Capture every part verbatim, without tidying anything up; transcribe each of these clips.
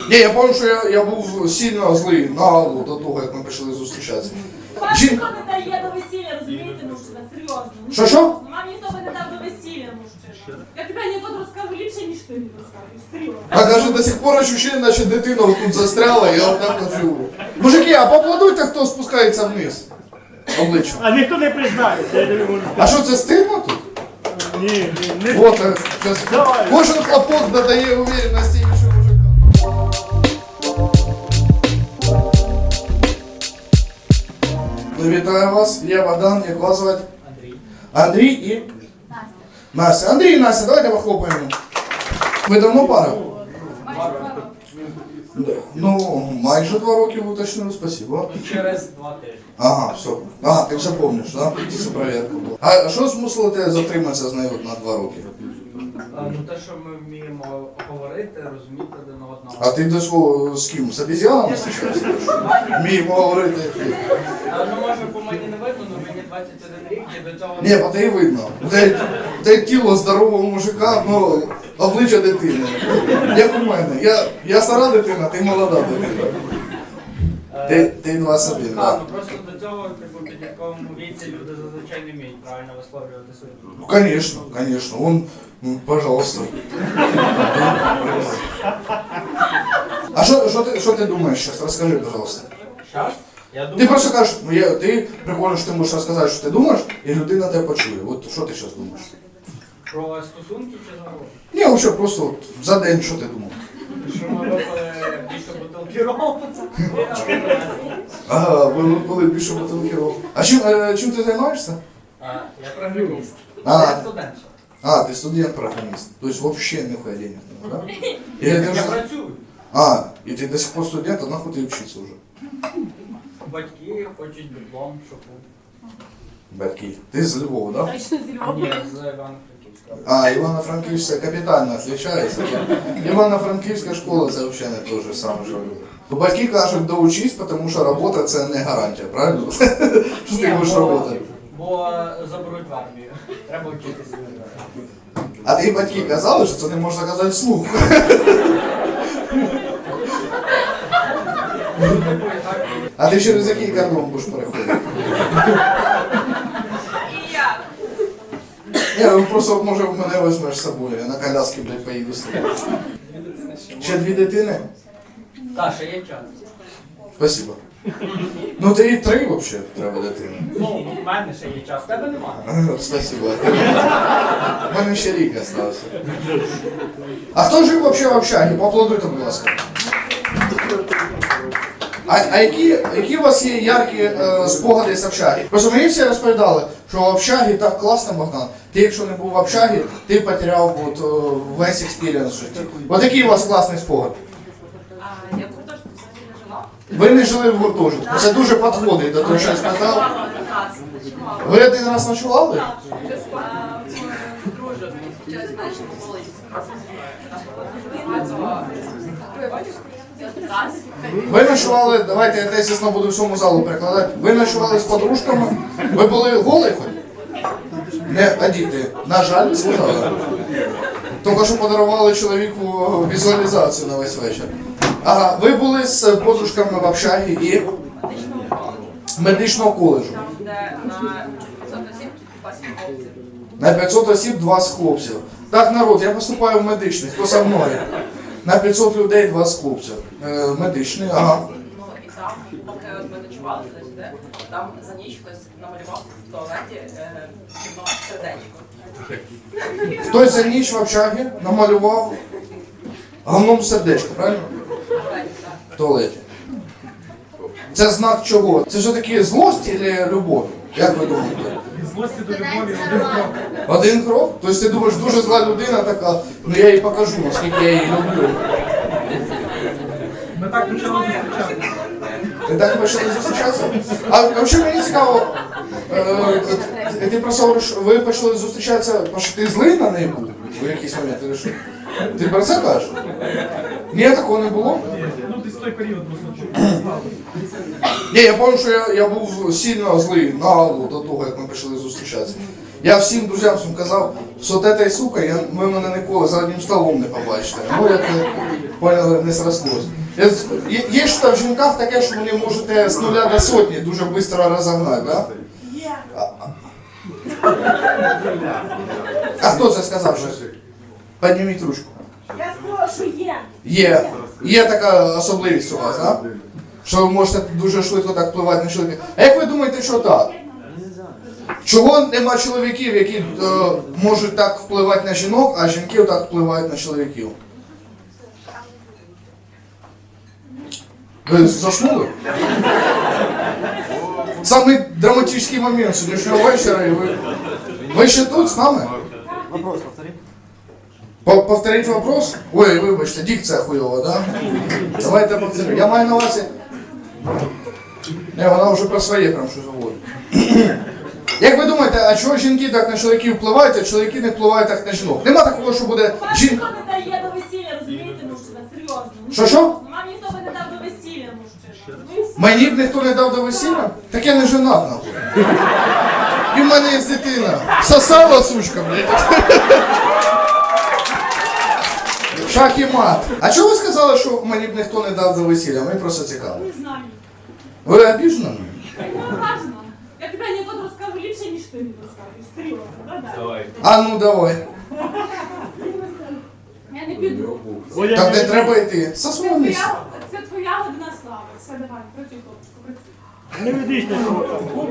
Ні, я пам'ятаю, що я, я був сильно злий на Аллу до того, як ми почали зустрічатися. Вам Жін... ніхто не дає до весілля, розумієте, мужчина, серйозно. Що, що? Вам ніхто не дав до весілля, мужчина. Я тебе анекдот розкажу ліпше, ніж ти не розкажеш, серйозно. А каже, до сих пор ощущение, наче дитина тут застряла, я отак от живу. Мужики, а поаплодуйте, хто спускається вниз. Обличчям. А ніхто не признається, я тобі можу сказати. А що, це стидно тут? Ні, ні, не Вот, е, це... Давай. Кожен хлопок додає уверенності іншим мужикам. Вітаю вас, я Богдан, як вас звати? Андрій. Андрій і? Настя. Настя. Андрій і Настя, давайте похлопаємо. Ви давно пара? Да. Ну, майже два роки ви уточнили, спасибо. Через два тижні. Ага, все. Ага, ти все помниш, так? Да? Це перевірка була. А що змусило тебе затриматися з нею от на два роки? А, ну те, що ми вміємо говорити, розуміти один одного. А ти до свого з ким? З обезьянами зустрічався? Вміємо говорити. А, ну може по мені не видно, але мені двадцять один рік і до цього... Ні, по тебе видно. Те, те тіло здорового мужика, ну, обличчя дитини. Як у мене. Я, я стара дитина, ти молода дитина. Ти, ти двадцять один, А, так? ну просто до цього, типу, в підлітковому віці люди зазвичай не вміють правильно висловлювати свої думки. Ну, конечно, конечно. Вон, ну, пожалуйста. А що, що, ти, що ти думаєш зараз? Розкажи, пожалуйста. Щас? Я Ти думаю, просто кажеш, ну, я, ти приходиш, ти можеш розказати, що ти думаєш, і людина тебе почує. От що ти зараз думаєш? про стосунки чи загалом? Ні, взагалі, просто от, за день, що ти думав? Що ми випили більше бутилки рому. Ага, ви коли більше бутилків. А чим, е, чим ти займаєшся? А, я програміст. А. Я студент. ще. А, ты студент-программист. То есть вообще нихуя денег не надо, да? Или ты Я уже... працюю. А, и ты до сих пор студент, а нахуй ты учиться уже? Батьки хочуть диплом, щоб був. Батьки. Ты из Львова, да? Точно зі Львова. Ні, з Івано-Франківська. А, Ивано-Франкивская капитально отличается. Ивано-Франкивская школа це вообще не то же саме, що Львов. Батьки кажуть, доучись, тому що робота це не гарантія, правильно? Що ти будеш робити? Бо заберуть в армію. Треба вчитися. А ти батьки казали, що це не можна казати вслух. А ти через який кордон будеш переходити? І я. Ні, ну просто може в мене візьмеш з собою, я на коляски, блядь, поїду з тобою. Ще дві дитини? Так, ще є час. Спасибо. Ну ти і три взагалі треба дитини. Ну, в мене ще є час, в тебе немає. Ага, спасибо. У мене ще рік залишився. А хто жив взагалі в общагі? Поаплодуйте, будь ласка. А, а які, які у вас є яркі е, спогади з общаги? Просто мені всі розповідали, що в общагі так класно, Богдан. Ти якщо не був в общагі, ти потеряв от, о, весь експірієнс в житті. Ось який у вас класний спогад. А, я в гуртожитку взагалі не жила. Ви не жили в гуртожитку. Це дуже підходить до того, що я сказав. Ви один раз ночували? Друже, зараз знаєш, Ви ночували, давайте я тезісно буду всьому залу перекладати. Ви ночували з подружками? Ви були голі хоч? Не одіти. На жаль, сказали. Тільки що подарували чоловіку візуалізацію на весь вечір. Ага, ви були з подружками в общагі і медичного коледжу. де на п'ятсот осіб два сім хлопців. На п'ятсот осіб двадцять хлопців. Так, народ, я поступаю в медичний, хто за мною? На п'ятсот людей двадцять хлопців. Е, медичний, ага. Ну і там, поки от ми ночували, знаєш, де, там за ніч хтось намалював в туалеті е, кіно сердечко. Хтось за ніч в общагі намалював говном сердечко, правильно? В туалеті. Це знак чого? Це все-таки злость чи любов? Як ви думаєте? Злості до любові один крок. Один крок? Тобто ти думаєш, дуже зла людина така, ну я їй покажу, наскільки я її люблю. Ми так почали зустрічатися. Ви так почали зустрічатися? А взагалі мені цікаво, е, ти просто говориш, ви почали зустрічатися, тому що ти злий на неї був в якийсь момент, ти що? Ти про це кажеш? Ні, такого не було? Ну, десь той період просто знав. Ні, я пам'ятаю, що я, я був сильно злий на Аллу до того, як ми почали зустрічатися. Я всім друзям своїм казав, що те та й сука, я, ви мене ніколи за одним столом не побачите. Ну, як, поняли, не срослось. Є, є, є ж там в жінках таке, що вони можете з нуля до сотні дуже швидко розогнати, да? Є. А хто це сказав? Що? Підніміть ручку. Я сказала, що є. Є. Є така особливість у вас, да? Що ви можете дуже швидко так впливати на чоловіка. А як ви думаєте, що так? Чого нема чоловіків, які е, можуть так впливати на жінок, а жінки так впливають на чоловіків? Ви заснули? Самий драматичний момент сьогоднішнього вечора, і ви... Ви ще тут з нами? Вопрос повтори. По- Повторіть вопрос? Ой, вибачте, дикція хуйова, да? Давайте повторю. Я маю на увазі... Не, вона вже про своє прям що говорить. Як ви думаєте, а чого жінки так на чоловіків впливають, а чоловіки не впливають так на жінок? Нема такого, що буде Вам жінка... ніхто не дає до весілля, розумієте, мужчина, серйозно. Що-що? Вам ніхто би не дав до весілля, мужчина. Ну і все. Мені б ніхто не дав до весілля? Так я не женат, нахуй. І в мене є дитина. Сосала, сучка, блядь. Шах і мат. А чого ви сказали, що мені б ніхто не дав до весілля? Мені просто цікаво. Не знаю. Ви обіжені? Я не ображена. Я тобі анекдот розкажу ліпше, ніж ти мені розкажеш. Серйозно, да-да. А ну давай. Я не піду. Так не треба йти. Це Сосуни. твоя, це твоя година слави. Все, давай, працюй, хлопчику, працюй. Не ведись на кого.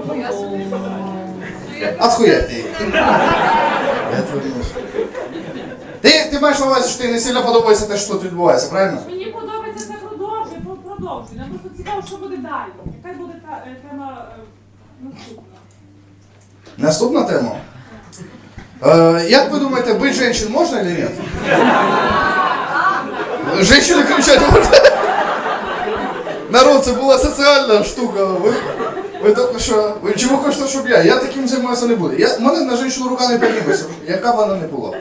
Отхуя ти. Я твою муж. Ти, ти маєш на увазі, що ти не сильно подобається те, що тут відбувається, правильно? Мені подобається це продовжуй, про- продовжуй. Нам просто цікаво, що буде далі. Яка буде та е, тема е, наступна. Наступна тема. Е, як ви думаєте, бить женщин можна или нет? Женщины кричать можна? Народ, це була соціальна штука. Ви, ви тільки що... Ви чому хочете, щоб я? Я таким займатися не буду. Я, в мене на жінку рука не підніметься, яка б вона не була.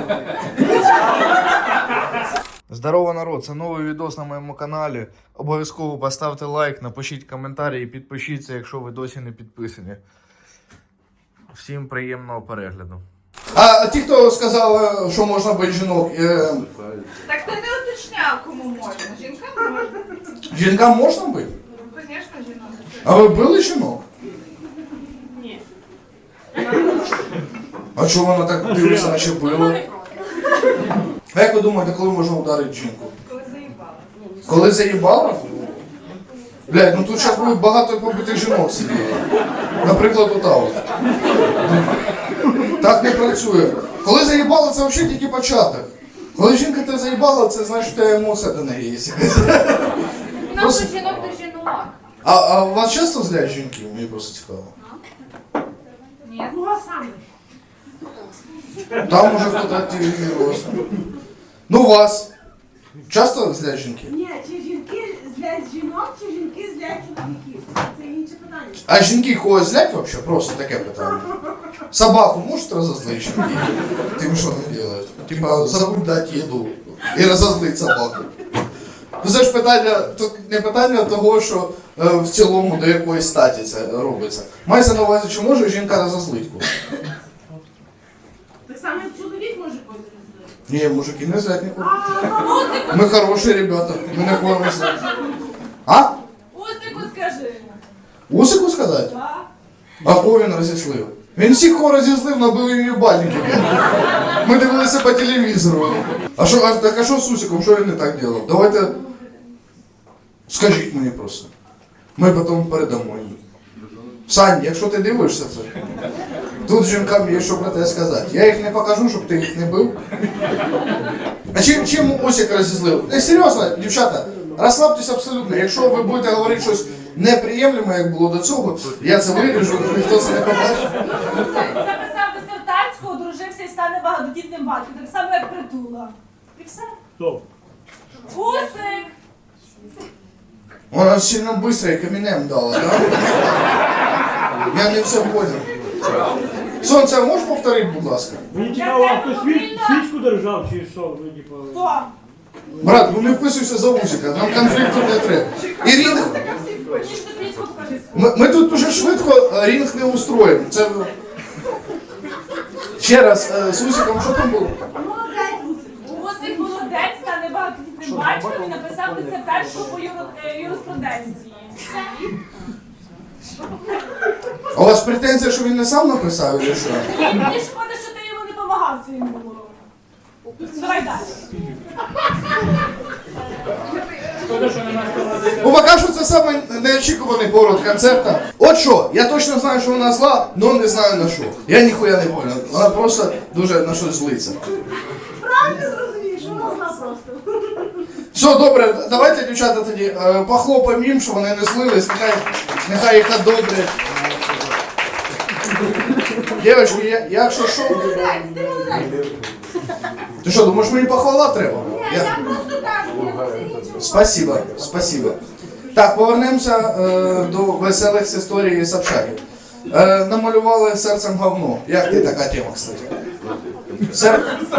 Здорово, народ! Це новий відос на моєму каналі. Обов'язково поставте лайк, напишіть коментарі і підпишіться, якщо ви досі не підписані. Всім приємного перегляду. А ті, хто сказав, що можна бити жінок, е, Так ти не уточняв, кому можна. Жінкам можна. жінкам можна бити? Ну, звісно, жінок. А ви били жінок? Ні. А чого вона так дивиться, наче била? А як ви думаєте, коли можна ударити жінку? Коли заїбала. Коли заїбала? Блядь, ну тут зараз буде багато побитих жінок сиділо. Наприклад, ота от. Так не працює. Коли заїбала, це взагалі тільки початок. Коли жінка тебе заїбала, це значить, що тебе емоція до неї є. У нас до жінок до жінок. А, а вас часто злять жінки? Мені просто цікаво. Ні. Ну, а саме? Там уже хтось активізувався. Ну вас. Часто злять жінки? Ні, чи жінки злять жінок, чи жінки злять чоловіків? Це інше питання. А жінки когось злять вообще? Просто таке питання. Собаку можуть розозлити жінки? Тим, що не роблять? Типа, забудь дати їду і розозлить собаку. Ну це ж питання, тут не питання того, що е, в цілому до якоїсь статі це робиться. Мається на увазі, чи може жінка розозлити когось? Так само як чоловік може когось злити. Ні, мужики не злять нікого. А, Усику, Ми хороші ребята, ми не ходимо злять. А? Усику скажи. Усику сказати? Так. А кого він розізлив? Він всіх кого розізлив, набив їм їбальники. Ми дивилися по телевізору. А що, а, так а що з Усиком, що він не так робив? Давайте, скажіть мені просто. Ми потім передамо їм. Сань, якщо ти дивишся це, тут жінкам є що про те сказати. Я їх не покажу, щоб ти їх не бив. А чим, чим Усик розізлив? Не, серйозно, дівчата, розслабтесь абсолютно. Якщо ви будете говорити щось неприємне, як було до цього, я це виріжу, ніхто це не побачить. Записав дисертацію, одружився і стане багатодітним батьком. Так само, як Притула. І все. Хто? Усик! Вона сильно швидко і камінем дала, так? Я не все понял. Сонце, а можеш повторити, будь ласка? Мені цікаво, а хто свіч, свічку держав чи що? Ну, типу... Хто? Брат, ну не вписуйся за Усика, нам конфлікту не треба. І рінг, Мені ж тобі покажи. ми, ми тут дуже швидко а, рінг не устроїмо. Це... Ще раз, е, з Усиком що там було? Молодець, Усик. Усик молодець, стане багатодітним батьком. батькові написав дисертацію по юро- е, юриспруденції. Все. А у вас претензія, що він не сам написав, чи що? Ні, мені шкода, що ти йому не допомагав своїм гуру. Давай далі. Шкода, що нема складати. Ну, поки що це саме неочікуваний поворот концерта. От що, я точно знаю, що вона зла, але не знаю на що. Я ніхуя не понял. Вона просто дуже на щось злиться. Правильно зрозумієш, вона зна просто. Все, добре, давайте, дівчата, тоді е, похлопаємо їм, щоб вони не злились, нехай, нехай їх одобрять. Дівчатки, я, якщо що... Ти що, думаєш, мені похвала треба? Я... Я просто кажу, я все нічого. Спасибо, спасибо. Так, повернемося е, до веселих з історії Собчаки. Е, намалювали серцем говно. Як ти така тема, кстати? Сер...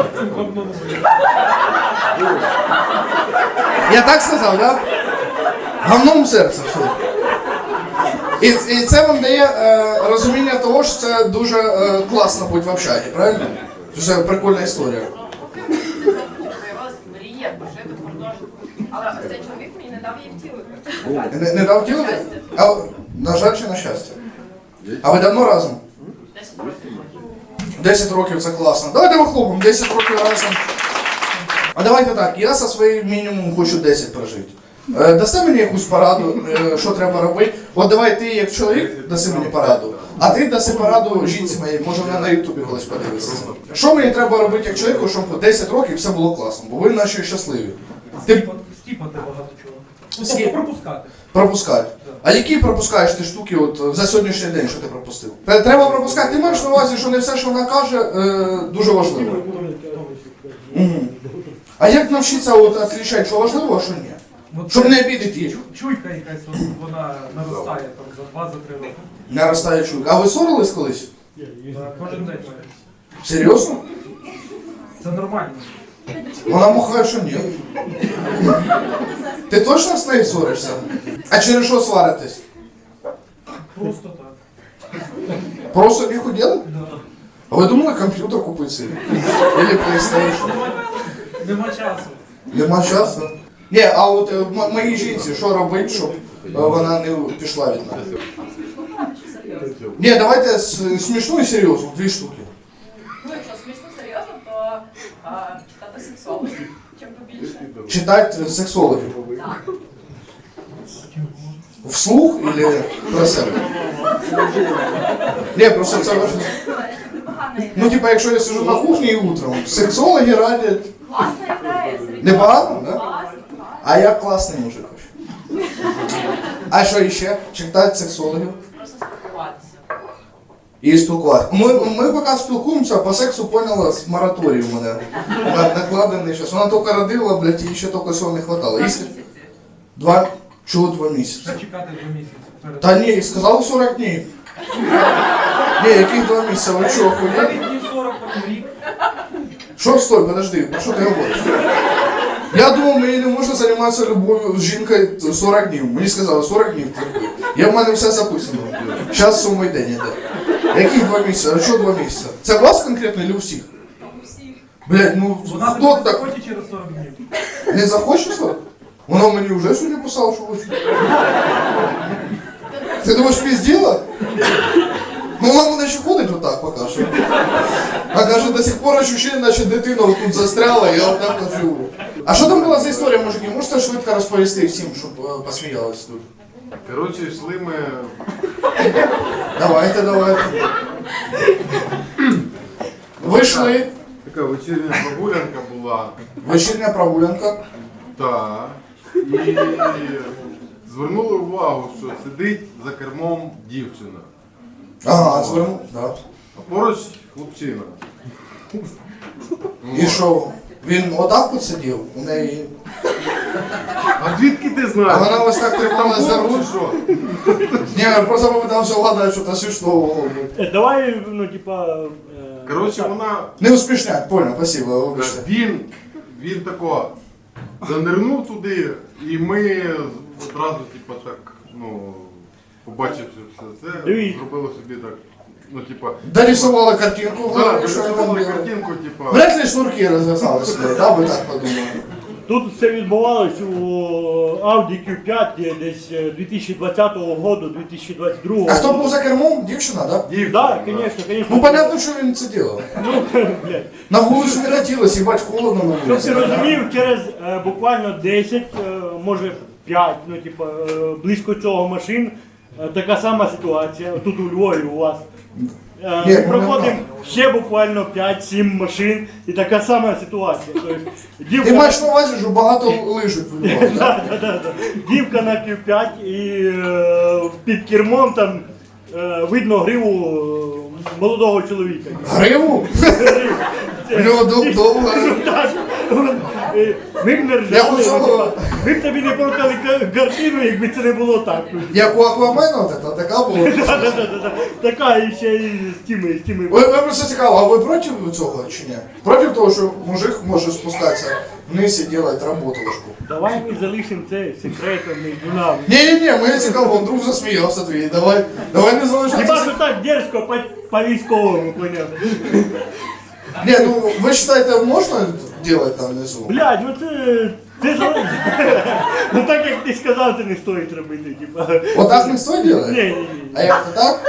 Я так сказав, да? Говном серце, все. І, і це вам дає е, розуміння того, що це дуже е, класно бути в общагі, правильно? Це прикольна історія. Виявилася мрія пожити в гуртожитку. Але ось цей чоловік мені не дав її втілити. Не, не дав ділити? А, на жаль чи на щастя? А ви давно разом? Десять років. десять років це класно. Давайте вихлопимо, десять років разом. А давайте так, я за своїм мінімумом хочу десять прожити. Е, Дасте мені якусь пораду, е, що треба робити? От давай ти як чоловік даси мені пораду, а ти даси пораду жінці моїй, може вона на ютубі колись подивиться. Що мені треба робити як чоловіку, щоб десять років все було класно, бо ви наші щасливі. Ти Скіпати багато чого. Ну, Скіп- тобто пропускати. пропускають. А які пропускаєш ти штуки от, за сьогоднішній день, що ти пропустив? Те- Треба пропускати. Ти маєш на увазі, що не все, що вона каже, е, дуже важливо. Угу. А як навчитися от, відрізняти, що важливо, а що ні? От Щоб це не обідати її. Чуйка якась, от вона наростає там за два-три роки. Наростає чуйка. А ви ссорились колись? Так, Кожен день. Серйозно? Це нормально. Вона махає, що ні. Ти точно з нею ссоришся? А через що сваритесь? Просто так. Просто не хотіли? Да. А ви думали комп'ютер купити собі? Или PlayStation? Нема часу. Нема часу? Ні, а от е, м- моїй жінці, що робити, щоб е, вона не пішла від мене? Ні, давайте с- смішну і серйозну, дві штуки. Ну, якщо смішно серйозно, то а, читати сексологію, чим побільше. Читати сексологів. Так. Вслух или про себе? Ні, просто це важливо. Непогана ідея. Ну, типа, якщо я сижу на кухні і утром, сексологи радять. Класна ідея. Непогано, да? Класно, класно. А я класний мужик. вообще. А що ще? Читати сексологів Просто спілкуватися. і спілкуватися. Ми, ми поки спілкуємося, по сексу поняла з мораторію в мене. на- Накладений щас. Вона тільки родила, блядь, і ще тільки всього не хватало. Два Якщо- місяці. Два, чого два місяці? Треба чекати два місяці. перед- Та ні, сказали сорок днів. Ні, яких два місяці? Ви що, охуєли? Навіть днів сорок, потім рік. Що, стой, подожди, про що ти говориш? Я думав, мені не можна займатися любов'ю з жінкою сорок днів. Мені сказали, сорок днів терпи. Я в мене все записано. Зараз сьомий день іде. Яких два місяці? А що два місяці? Це у вас конкретно чи у всіх? Усіх. Блядь, ну Вона хто тобі так захоче через сорок днів. не захоче сорок? Вона мені вже сьогодні писала, що хоче. Ти думаєш, пізділа? Ну вона мене ще ходить отак поки що. А каже, до сих пор ощущение, наче дитина тут застряла, я отак от живу. А що там була за історія, мужики? Можете швидко розповісти всім, щоб е, посміялись тут? Коротше, йшли ми. Давайте, давайте. Вийшли. Така вечірня прогулянка була. Вечірня прогулянка. Та. І звернули увагу, що сидить за кермом дівчина. Ага, звернув. Да. А поруч хлопчина. І що? Він отак от сидів, у неї. А звідки ти А знаєш? вона ось так трималась за Був руль. чи що? Ні, я просто попитався вгадати, що то смішного. Е, Давай, ну, типа... е, Коротше, так. вона. Не успішняк, понял, спасибо, вибачте. Він, він тако занирнув туди, і ми одразу, типу, так, ну, побачивши все це, Дивіться. зробили собі так, ну, типа. Дорисували картинку, Так, що я там нарисували робив. картинку, типа. Вряд ли шнурки розв'язали сюди, да, ви так подумали. Тут все відбувалось у Audi кю п'ять десь дві тисячі двадцятого року, дві тисячі двадцять другого. А хто був за кермом? Дівчина, да? Так, да, звісно, звісно. Ну, понятно, що він це робив. Ну, блядь. На вулицю не хотілося, їбать, холодно на Щоб вулиці. ти розумів, через е, буквально десять, е, може п'ять, ну типу, е, близько цього машин, е, така сама ситуація, тут у Львові у вас. Е, Ні, ми ну, проходимо нормально. ще буквально п'ять-сім машин і така сама ситуація. Тобто, дівка, Ти маєш на увазі, що багато лижуть в Львові, да? да, да, да, да. Дівка на кю п'ять і е, під кермом там е, видно гриву е, молодого чоловіка. Гриву? У нього дов- довго. Так, е, ми б не Я ржали, хочу- ну, типа, ми б тобі не показали ка- картину, якби це не було так. Як у Аквамена, от це, така була. Да-да-да-да. Така і ще і з тими, з тими. Ви, ви просто цікаво, а ви проти цього чи ні? Проти того, що мужик може спускатися вниз і робити роботушку? Давай ми залишимо це секретом між нами. Ні-ні-ні, мені цікаво, вдруг засміявся твій, давай, давай не Хіба залишайся. що так дерзко по, по військовому, поняв? Ні, ну ви вважаєте, можна робити там внизу? Блядь, ну це... Це залежить. Ну так як ти сказав, це не стоїть робити, типа. Отак не стоїть робити? Ні, ні, ні. А як то так?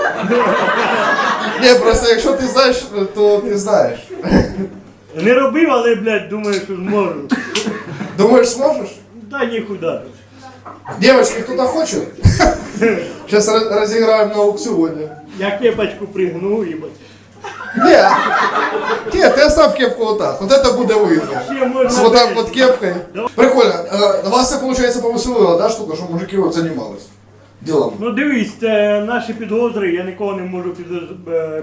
Ні, просто якщо ти знаєш, то ти знаєш. Не робив, але, блядь, думаю, що зможу. Думаєш, зможеш? Та ніхуя. Девочки, кто-то хочет? Сейчас разыграем на аукционе. Я кепочку пригну, їбать. Нет, нет, ты оставь кепку вот так. Вот это будет выигрыш. Ще можна... С вот так десь. вот кепкой. Прикольно. Э, Вас это, получается, повеселило, да, штука, что мужики вот занимались делом? Ну дивись, це наші підозри, я нікого не можу під... е,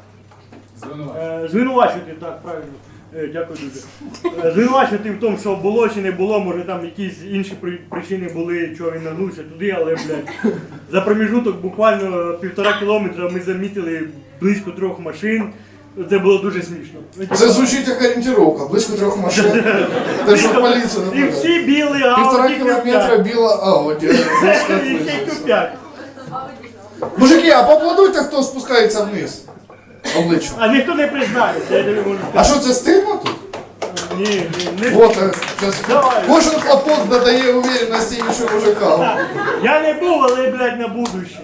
е, звинувачувати, так, правильно. Е, Дякую дуже. Е, Звинувачувати в тому, що було чи не було, може там якісь інші при- причини були, чого він нагнувся туди, але, блядь, за проміжуток буквально півтора кілометра ми замітили близько трьох машин. Це було дуже смішно. Ну, типа, Це звучить як орієнтировка, близько трьох машин. Ти ж в поліцію І не всі біли Півтора Ауді кілометра біла Ауді. І ще Кю п'ять. Мужики, а поаплодуйте, хто спускається вниз. Обличчя. А ніхто не признається, я тобі можу А сказати. що це стильно тут? Ні, ні, не Вот, е, це- Давай. кожен хлопок додає уверенності іншим мужикам. Я не був, але, блядь, на будущее.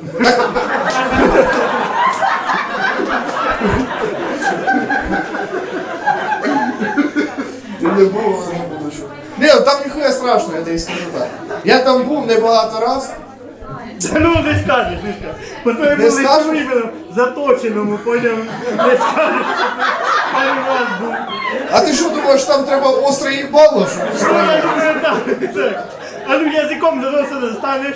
Ти не був, але не буду що. Ні, ну там ніхуя страшного, я тобі скажу так. Я там був небагато раз. Та ну не скажеш, не скажеш. По твоєму Не скажеш? лицю іменно заточеному, поняв, не скажеш. Пару раз був. А ти що думаєш, там треба остре їбало, щоб Ну, устроїти? я думаю, так, це. А ну язиком до носа не станеш.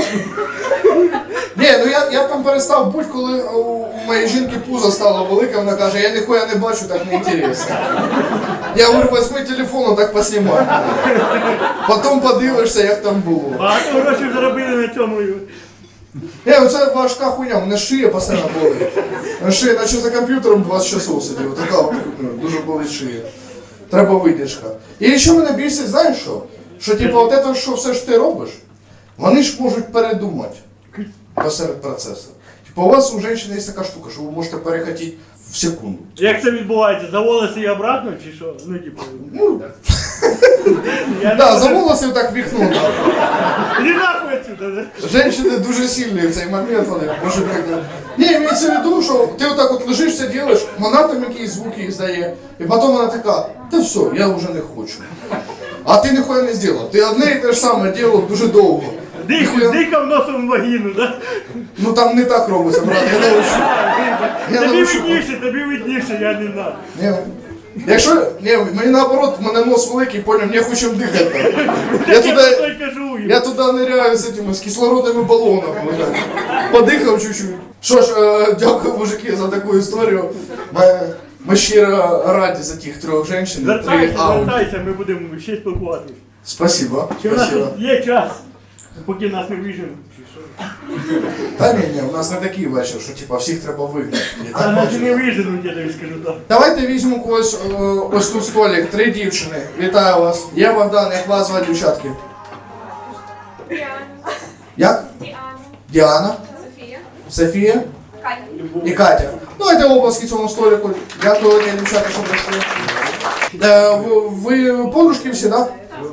Ні, ну я, я там перестав бути, коли у, у моєї жінки пузо стало велике, вона каже, я ніхуя не бачу, так не інтересно. Я говорю, возьми телефон, так поснімай. Потім подивишся, як там було. Багато грошей заробили на цьому. Ні, ну це важка хуйня, у мене шия постійно болить. На шия, наче за комп'ютером двадцять часов сидів, така от, ну, дуже болить шия. Треба видержка. І ще мене бісить, знаєш що? Що типу, от це, що все ж ти робиш, вони ж можуть передумати посеред процесу. Типу, у вас у жінки є така штука, що ви можете перехотіти в секунду. Як це відбувається? За волоси і обратно чи що? Ну, типу. Ну, Я да, не за можу. волоси так віхнути. Іди нахуй отсюда, да? Женщини дуже сильні в цей момент, вони може так. Ні, імеється в виду, що ти отак от лежиш, це робиш, вона там якісь звуки іздає, і потім вона така, та все, я вже не хочу. А ти ніхуя не зробив. Ти одне і те ж саме робив дуже довго. Дих, Ніхуя- дихав носом в вагіну, да? Ну там не так робиться, брат, я научу. Я Тобі научу. видніше, тобі видніше, я не знаю. Ні. Якщо, ні, мені наоборот, в мене нос великий, поняв, не хочу дихати. Я Я туди, той кажу. я туди ниряю з этими, з кислородними балонами. отак. Подихав чуть-чуть. Що ж, е, дякую, мужики, за таку історію. Ми, ми щиро раді за тих трьох жінок, три Звертайся, ауді. звертайся, ми будемо ще спілкуватися. Спасибо, Чи в нас спасибо. тут є час, поки нас не виженуть, чи що? Та ні, ні, у нас не такий вечір, що типа всіх треба вигнати. Я А так нас бачу. не виженуть, я тобі скажу так. Давайте візьмемо когось, е, ось тут столик, три дівчини. Вітаю вас. Я Богдан, як вас звати, дівчатки? Діана, Як? Діана, Діана, Софія, Софія Катя. і Катя. Давайте оплески цьому столику. Дякую, дівчата, що прийшли. Е, ви, ви подружки всі, так? Да?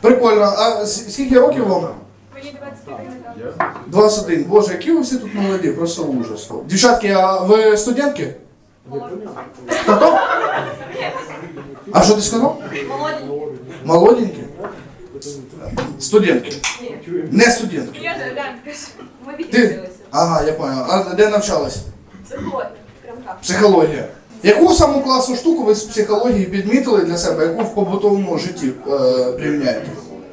Прикольно. А с- скільки років вам? Мені двадцять один. двадцять один. Боже, які ви всі тут молоді, просто ужас. Дівчатки, а ви студентки? Хто? А що ти сказав? Молоденький. Молоденькі? Студентки. Не студентки. Я же глянь, ми Ти? відділилися. Ага, я понял. А де навчалась? Психологія. Прям так. Психологія. Яку саму класну штуку ви з психології підмітили для себе, яку в побутовому житті е, приміняєте?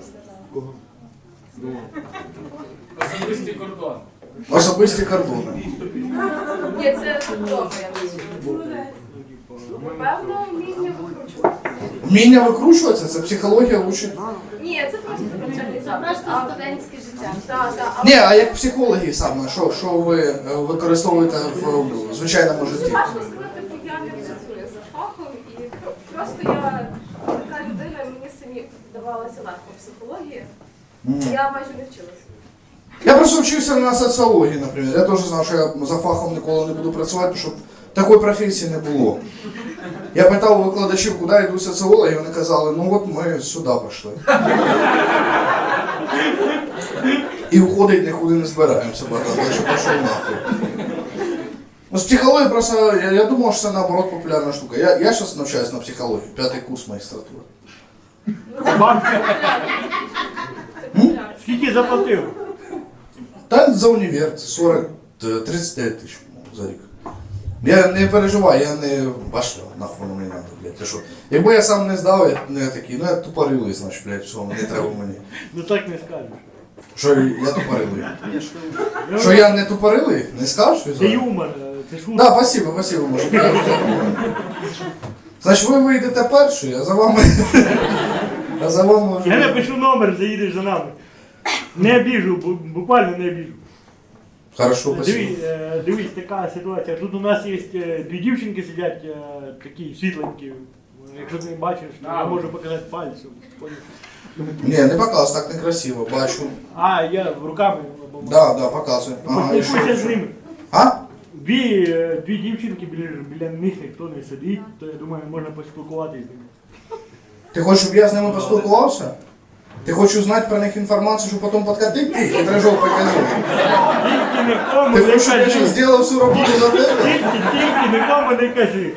Особистий кордон. Особисті кордони. Ні, це добре, я думаю. Напевно, вміння викручуватися. Вміння викручуватися, це психологія учить. Ні, це просто навчальний заклад. Просто студентське життя. Так, так. Ні, а як психологи саме, що, що ви е, використовуєте в звичайному житті? Важко сказати, бо я не працюю за фахом, і просто я така людина, мені самі давалася легко психологія. Я майже не вчилася. Я просто вчився на соціології, наприклад. Я теж знав, що я за фахом ніколи не буду працювати, щоб такої професії не було. Я питав у викладачів, куди йдуть соціологи, і вони казали, ну от ми сюди пішли. І уходить нікуди не збираємося, братан, я ще пішов нахуй. Ну, з психології просто, я, я думав, що це наоборот популярна штука. Я, я зараз навчаюсь на психології, п'ятий курс магістратури. Вам Це популярно. скільки заплатив? Та за універ сорок, тридцять дев'ять тисяч за рік. Я не переживаю, я не башля, нахуй мені надо, блядь. Ти що? Якби я сам не здав, я не такий, ну я тупорилий, значить, блядь, все, не треба мені. Ну так не скажеш. Що я тупорилий? Що я не тупорилий? Не скажеш? Це Візуально? юмор, е, це шутка. Да, спасибо, спасибо, може. Значить, ви вийдете перші, а за вами... А за вами Я вже... напишу номер, заїдеш за нами. Не обіжу, бу- буквально не обіжу. Хорошо, спасибо. Дивись, е, дивись, така ситуація. Тут у нас є е, дві дівчинки сидять, е, такі світленькі. Якщо ти не бачиш, то я можу показати пальцем. Ні, не показуй, так некрасиво, бачу. А, я руками. Да, да, показуй. Ага, і що? Поспілкуйся з ними. А? Дві, е, дві дівчинки, біля, біля них ніхто не сидить, то я думаю, можна поспілкуватися з ними. Ти хочеш, щоб я з ними поспілкувався? Ти хочеш узнати про них інформацію, щоб потім подкатити ти? Хитрожов покажу. Тільки нікому Ти не хочеш, щоб я кажи. зараз зробив всю роботу за тебе? Тільки, тільки нікому не кажи.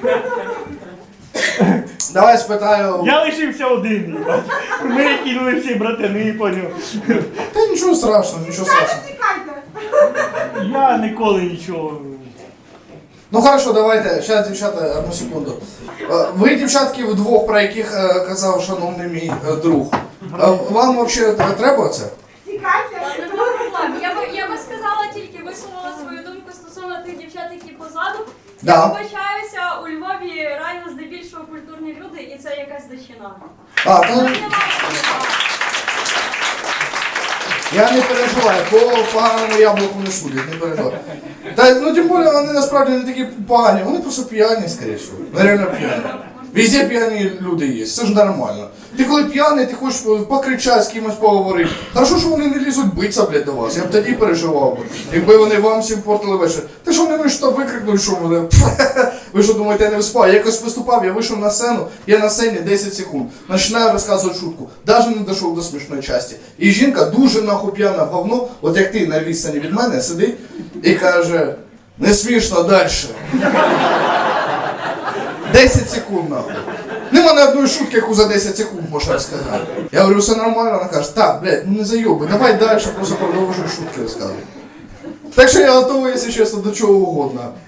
Давай спитаю. Я лишився один, їбать. Ми кинули всі братани, поняв. Та нічого страшного, нічого страшного. Я ніколи нічого. Ну хорошо, давайте, зараз, дівчата, одну секунду. Е, Ви, дівчатки, вдвох, про яких е, казав шановний мій е, друг. Е, Вам взагалі треба це? Нема проблем. Я би, я би сказала тільки висунула свою думку стосовно тих дівчат, які позаду. Да. Я вибачаюся, у Львові реально здебільшого культурні люди, і це якась дичина. А, Там то немає такого. я не переживаю, по поганому яблуку не судять, не переживаю. Та, ну, тим більше, вони насправді не такі погані, вони просто п'яні, скоріше всього. Вони реально п'яні. Везде п'яні люди є, це ж нормально. Ти коли п'яний, ти хочеш покричати, з кимось поговорити. Хорошо, що вони не лізуть битися, блядь, до вас. Я б тоді переживав би. Якби вони вам всім портили вечір. Ти що не вийшов, то викрикнуть, що мене. Ви що думаєте, я не виступав? Я якось виступав, я вийшов на сцену, я на сцені десять секунд. Починаю розказувати шутку. Навіть не дійшов до смішної частини. І жінка дуже нахуй п'яна в говно, от як ти на відстані від мене сидить і каже, не смішно далі. десять секунд нахуй. Нема ні одної шутки, яку за десять секунд можна розказати. Я говорю, все нормально, вона каже, так, блядь, ну не зайоби, давай далі, просто продовжуй шутки розказувати. Так що я готовий, якщо чесно, до чого угодно.